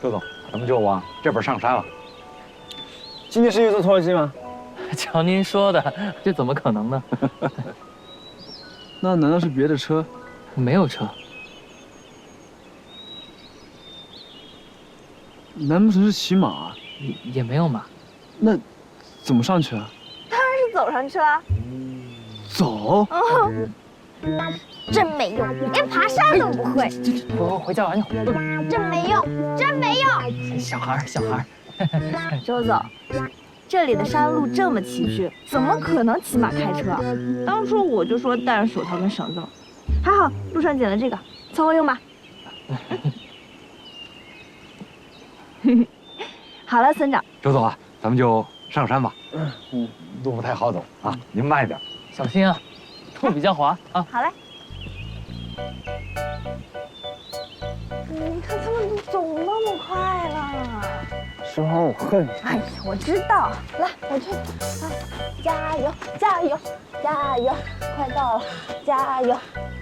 周总，咱们就往这边上山了。 今天是又坐拖拉机吗？ 瞧您说的，这怎么可能呢？ 那难道是别的车？ 没有车。 难不成是骑马？ 也没有马。 那怎么上去啊？ 当然是走上去了。 走？ 真没用，连爬山都不会。 我回家玩去。 真没用，真没用。 小孩。 周总，这里的山路这么崎岖，怎么可能骑马开车啊？当初我就说带上手套跟绳子了，还好路上捡了这个，凑合用吧。好了，村长。 周总啊，咱们就上山吧。路不太好走啊，您慢一点， 小心啊，路比较滑啊。 好嘞。你看他们都走那么快了。 师傅，我恨你。 哎呀，我知道。来，我去。啊，加油，加油，加油！快到了，加油！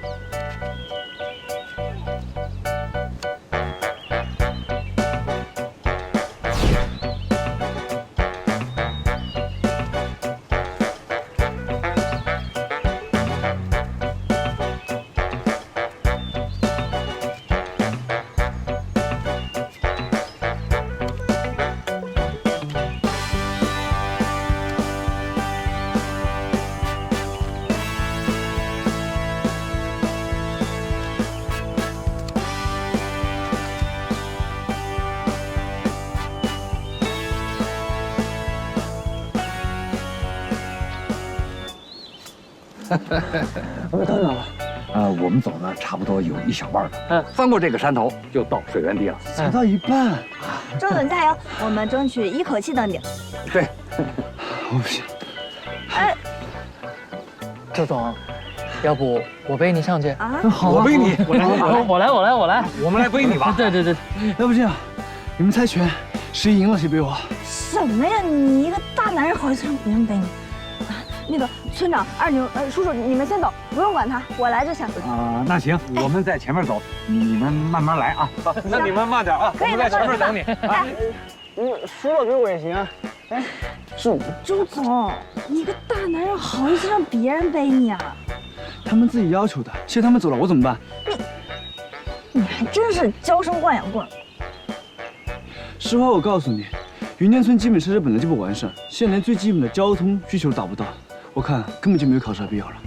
我们到哪了？ 我们走呢，差不多有一小半了。翻过这个山头就到水源地了。 才到一半。 周总加油，我们争取一口气登顶。 对， 我不行。 哎， 周总，要不我背你上去？ 啊， 好， 我背你， 我来， 我们来背你吧。 对， 要不这样，你们猜拳，谁赢了谁背我。 什么呀？你一个大男人好意思让别人背你？啊，那个村长、二牛、叔叔，你们先走，不用管他，我来就行。 那行，我们在前面走，你们慢慢来啊。那你们慢点啊，我们在前面等你。 输了给我也行啊。哎，是周总，你一个大男人好意思让别人背你啊？ 他们自己要求的，现在他们走了，我怎么办？ 你还真是娇生惯养棍。 实话我告诉你，云间村基本设施本来就不完善，现在连最基本的交通需求都达不到，我看根本就没有考试的必要了。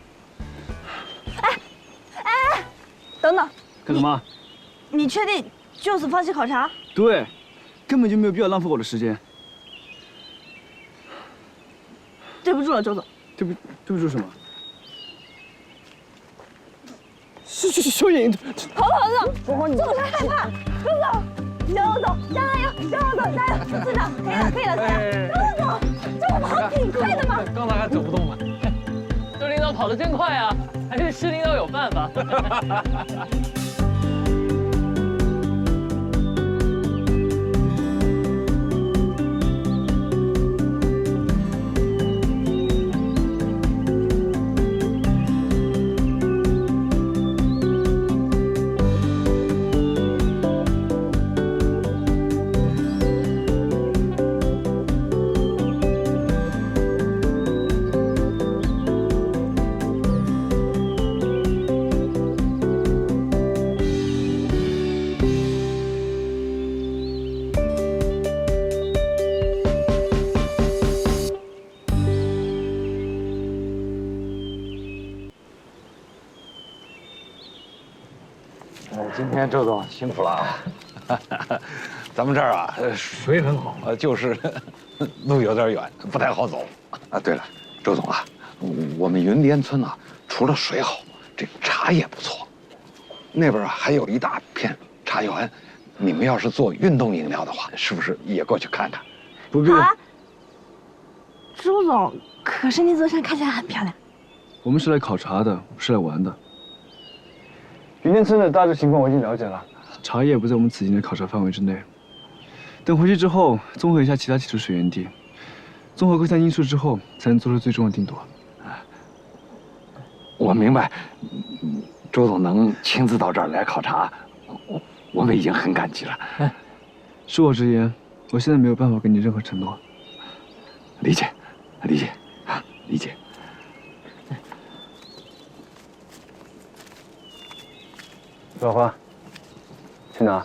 等等， 干什么？ 你确定就此放弃考察？ 对，根本就没有必要浪费我的时间。 对不住了，周总。 对不住什么？小眼， 头，总是害怕。周总，加油！村长，可以了。周总，这不跑挺快的吗？ 刚才还走不动吗？周领导跑得真快啊！还是师领导有办法。 今天周总辛苦了啊！咱们这儿啊，水很好，就是路有点远，不太好走。对了，周总啊，我们云间村啊，除了水好，这茶也不错。那边啊还有一大片茶园，你们要是做运动饮料的话，是不是也过去看看？ 不必了。 好啊。周总，可是那座山看起来很漂亮。 我们是来考察的，不是来玩的。云间村的大致情况我已经了解了，茶叶不在我们此行的考察范围之内。等回去之后，综合一下其他几处水源地，综合各项因素之后，才能做出最终的定夺。 我明白，周总能亲自到这儿来考察，我们已经很感激了。 恕我直言，我现在没有办法给你任何承诺。 理解，理解，啊，理解。 老花，去哪？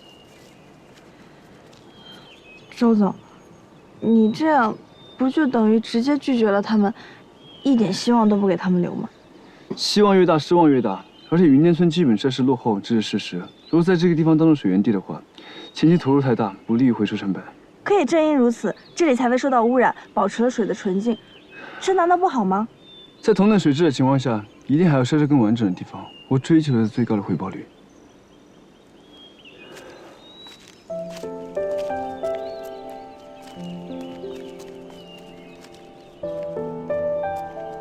周总，你这样不就等于直接拒绝了他们，一点希望都不给他们留吗？ 希望越大，失望越大。而且云间村基本设施落后，这是事实。如果在这个地方当做水源地的话，前期投入太大，不利于回收成本。 可也正因如此，这里才未受到污染，保持了水的纯净，这难道不好吗？ 在同等水质的情况下，一定还有设施更完整的地方。我追求的是最高的回报率。